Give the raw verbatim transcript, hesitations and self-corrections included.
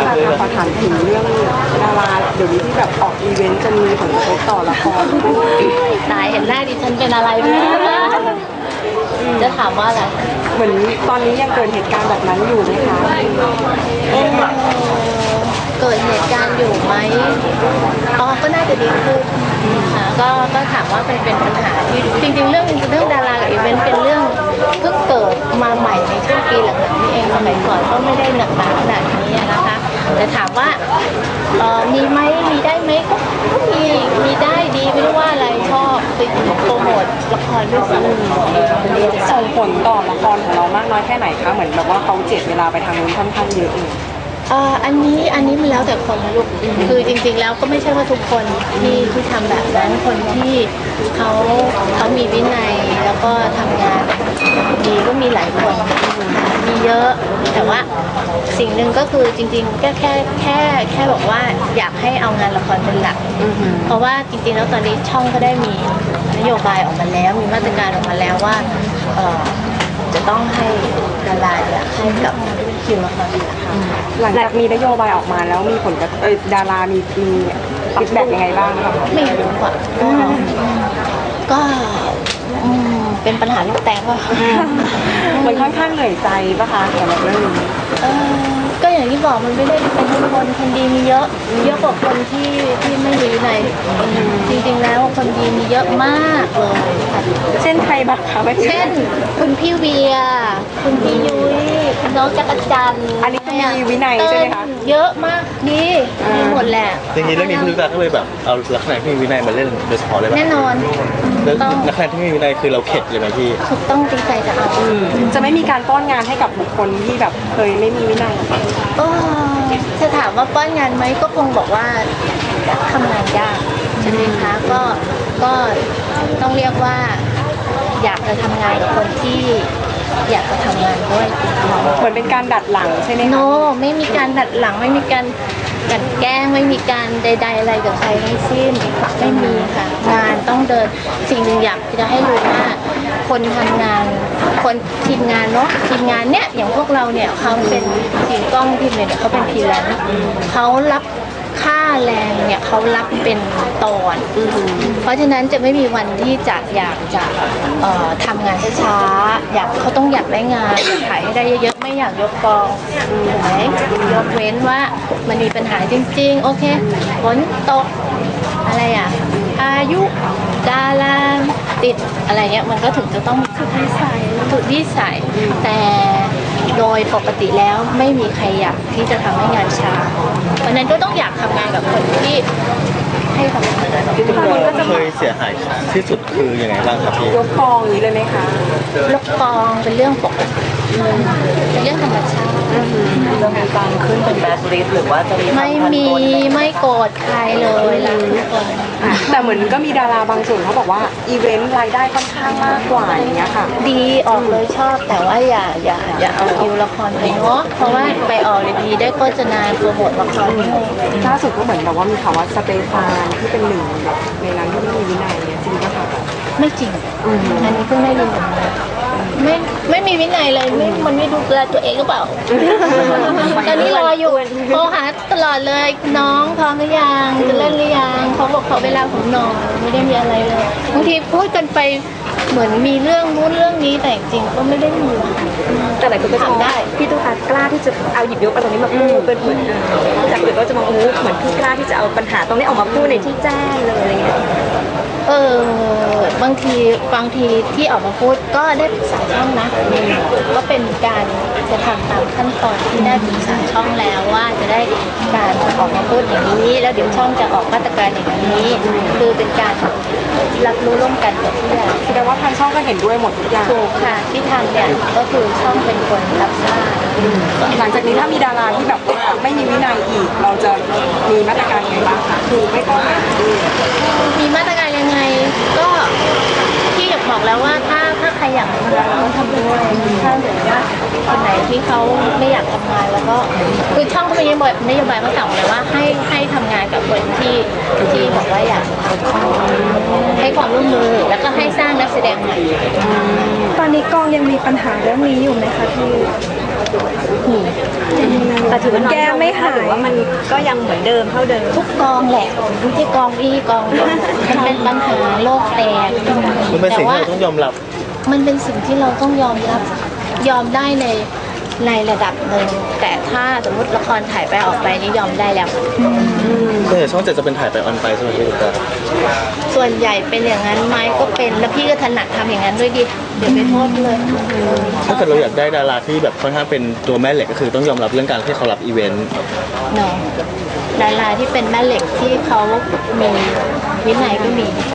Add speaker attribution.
Speaker 1: ค่ะขอถามถึงเรื่องดาราเดี๋ยวนี้ที่แบบออกอีเวนต์จะมีผลกระทบต่อละคร
Speaker 2: ตายเห็นหน้าดิฉันเป็นอะไรไหมจะถามว่าอะไร
Speaker 1: เหมือนตอนนี้ยังเกิดเหตุการณ์แบบนั้นอยู่ไหมคะ
Speaker 2: เกิดเหตุการณ์อยู่ไหมอ๋อก็น่าจะดีขึ้นค่ะก็ก็ถามว่าเป็นเป็นปัญหาที่จริงๆเรื่องเรื่องดารากับอีเวนต์เป็นเรื่องเพิ่งเกิดมาใหม่ในช่วงปีหลังๆนี้เองสมัยก่อนก็ไม่ได้หนักหนาขนาดนี้นะคะแต่ถามว่าเอ่อมีไหมมีได้ไหมก็มีมีได้ดีไม่ได้ว่าอะไรชอบไปโปรโมทละครด้วยซ้ำ
Speaker 1: ส่งผลต่อละครของเรามากน้อยแค่ไหนคะเหมือนแบบว่าเขาเจ็ดเวลาไปทางนู้นค่อนข้างเยอะเลย
Speaker 2: อ่าอันนี้อันนี้มันแล้วแต่คนนะลูกคือจริงๆแล้วก็ไม่ใช่ว่าทุกคนที่ที่ทำแบบนั้นคนที่เขาเขามีวินัยแล้วก็ทำงานดีก็มีหลายคนมีเยอะแต่ว่าสิ่งหนึ่งก็คือจริงๆก็แค่แค่แค่บอกว่าอยากให้เอางานละครเป็นหลักเพราะว่าจริงๆแล้วตอนนี้ช่องก็ได้มีนโยบายออกมาแล้วมีมาตรการออกมาแล้วว่าจะต้องให้ดาราเนี่ยให้กับคิวละครเป็นหลัก
Speaker 1: หลังจากมีนโยบายออกมาแล้วมีผลกระทบดารามีมีฟีดแบ็กยังไงบ้างคะ
Speaker 2: ไม่รู้อ่ะก็เป็นปัญหาลูกแตกว่ะ
Speaker 1: มันค่อนข้างเหนื่อยใจป่ะคะสำหรับเรื่องนี้
Speaker 2: ก็อย่างที่บอกมันไม่ได้เป็นทุกคนคนดีมีเยอะเยอะกว่าคนที่ที่ไม่ดีในจริงๆแล้วคนดีมีเยอะมากเลย
Speaker 1: เช่นใครบ้างคะ
Speaker 2: เช่นคุณพี่เวียคุณพี่ยุ้ยคุณน้องจักรจันทร์
Speaker 1: อันนี้มีวินัยใช่ไหมคะ
Speaker 2: เยอะมากดีมีหมดแหละ
Speaker 3: จริงๆเรื่องนี้พี่ลูกตาก็เลยแบบเอาลักษณะที่มีวินัยมาเล่นโดยเฉพาะเลย
Speaker 2: แน่นอน
Speaker 3: แล้วลักษณะที่มีวินัยคือเราเข็ดเลยไหมพี่
Speaker 2: ถูกต้องจริงใจจะเอา
Speaker 1: จะไม่มีการป้อนงานให้กับบุคคลที่แบบเคยไม่มีวินัย
Speaker 2: จะถามว่าป้อนงานไหมก็คงบอกว่าทำงานยากใช่ไหมคะก็ก็ต้องเรียกว่าอยากจะทำงานกับคนที่อยากจะทำงานด้วย
Speaker 1: เหมือนเป็นการดัดหลังใช่ไหมคะ
Speaker 2: โนไม่มีการดัดหลังไม่มีการกันแกล้งไม่มีการใดๆอะไรกับใครทั้งสิ้นไม่มีค่ะงานต้องเดินสิ่งหนึ่งอยากจะให้รู้ว่าคนทำงานคนทีมงานเนาะทีมงานเนี้ยอย่างพวกเราเนี่ยเขาเป็นทีมกล้องทีมเนี่ยเขาเป็นทีแลนซ์เขารับค่าแรงเนี่ยเขารับเป็นตอนเพราะฉะนั้นจะไม่มีวันที่จะอยากจะทำงานช้าๆอยากเขาต้องอยากได้งานอยากถ่ายให้ได้เยอะๆไม่อยากยกกองถูกไหมยกเว้นว่ามันมีปัญหาจริงๆโอเคฝนตกอะไรอ่ะอายุดาราติดอะไรเงี้ยมันก็ถึงจะต้องสุดวิสัยสุดวิสัยแต่โดยปกติแล้วไม่มีใครอยากที่จะทำให้งานช้าเพราะนั้นก็ต้องอยากทำงานกับคนที่ให้ความสำคัญ
Speaker 3: ที่เราเคยเสียหายที่สุดคือยังไงบ้างครับพี่
Speaker 1: ยกกองนี้เลยไหมคะ
Speaker 2: ยกกองเป็นเรื่องปกติเป็นเรื่องธรรมชาติ
Speaker 1: จะมีการขึ้นเป็นแบล็คลิสต์หรือว่าจะมี
Speaker 2: ไม่มีไม่โกรธใครเลยรักทุกคน
Speaker 1: แต่เหมือนก็มีดาราบางส่วนเขาบอกว่าอีเวนต์รายได้ค่อนข้างมากกว่าอย่างเงี้ยค่ะ
Speaker 2: ดีออกเลยชอบแต่ว่าอย่าอย่าอย่าเอาคิวละครไปเนาะเพราะว่าไปออกเลยดีได้โฆษณาโปรโมทละคร
Speaker 1: ล่าสุดก็เหมือนแบบว่ามีข่าวว่าสเตฟานที่เป็นหนึ่งแบบในนั้นที่ไม่มีวินัยเนี่ยจริงป่ะคะ
Speaker 2: ไม่จริงอันนี้เพิ่งได้ยินไม่ไม่มีวินัยเลยไม่มันไม่ดูแลตัวเองหรือเปล่าตอนนี้รออยู่โทรหาตลอดเลยน้องพร้อมหรือยังจะเล่นหรือยังเขาบอกเขาเวลาผมนอนไม่ได้มีอะไรเลยบางทีพูดกันไปเหมือนมีเรื่องนู้นเรื่องนี้แต่จริงก็ไม่ได้มี
Speaker 1: แต่หลายคนก็ถามได้พี่ตุ๊กตากล้าที่จะเอาหยิบยกประเด็นนี้มาพูดเป็นเหมือนจากอื่นก็จะมองโอ้เหมือนพี่กล้าที่จะเอาปัญหาตรงนี้ออกมาพูดในที่แจ้งเลยอะไรเงี้ย
Speaker 2: เออบางทีบางทีที่ออกมาพูดก็ได้ปรึกษาช่องนะก็เป็นการจะทำตามขั้นตอนที่ได้ปรึกษาช่องแล้วว่าจะได้การออกมาพูดอย่างนี้แล้วเดี๋ยวช่องจะออกมาตรการอย่างนี้คือเป็นการรับรู้ร่วมกันกับทุกอย่าง
Speaker 1: แสดงว่าทางช่องก็เห็นด้วยหมดทุกอย่าง
Speaker 2: ถูกค่ะที่ทำเนี่ยก็คือช่องเป็นคนรับทราบ
Speaker 1: หลังจากนี้ถ้ามีดาราที่แบบว่าไม่มีวินัยอีกเราจะมีมาตรการยังไงบ้างคะคือไม่ต้อง
Speaker 2: มีมาตรการยังไงก็ที่อยากบอกแล้วว่าถ้าถ้าใครอยากทำงานเราก็ทำด้วยถ้าเกิดว่าคนไหนที่เขาไม่อยากทำงานแล้วก็คือช่องก็มีนโยบายนโยบายมาสั่งเลยว่าให้ให้ทำงานกับคนที่ที่บอกว่าอยากให้ความร่วมมือแล้วก็ให้สร้างนักแสดงใหม่
Speaker 1: ตอนนี้กองยังมีปัญหาเรื่องนี้อยู่ไหมคะพี่แต่ถือว่าน้อย
Speaker 4: แก้ไม่หาย
Speaker 1: หรือว่ามันก็ยังเหมือนเดิมเท่าเดิม
Speaker 2: ทุกกองแหละไม่ใช่กองนี้กองเดียวมันเป็นปัญหาโลกแตก
Speaker 3: มันเป็น
Speaker 2: แต่
Speaker 3: สิ่งที่
Speaker 2: ว่า
Speaker 3: เราต้องยอมรับ
Speaker 2: มันเป็นสิ่งที่เราต้องยอมรับยอมได้ในในระดับหนึ่งแต่ถ้าสมมติละครถ่ายไปออกไปนี่ยอมได้แล้ว
Speaker 3: ส่วนใหญ่ช่องเจ็ดจะเป็นถ่ายไปออนไปใช่ไหมพี่ตุ๊กตา
Speaker 2: ส่วนใหญ่เป็นอย่างนั้นไหมก็เป็นแล้วพี่ก็ถนัดทำอย่างนั้นด้วยดิเดี๋ยวไปโทษเลย
Speaker 3: ถ้าเกิดเราอยากได้ดาราที่แบบค่อนข้างเป็นตัวแม่เหล็กก็คือต้องยอมรับเรื่องการที่เขารับอีเวนต์
Speaker 2: เนาะดาราที่เป็นแม่เหล็กที่เขามีวินัยก็มี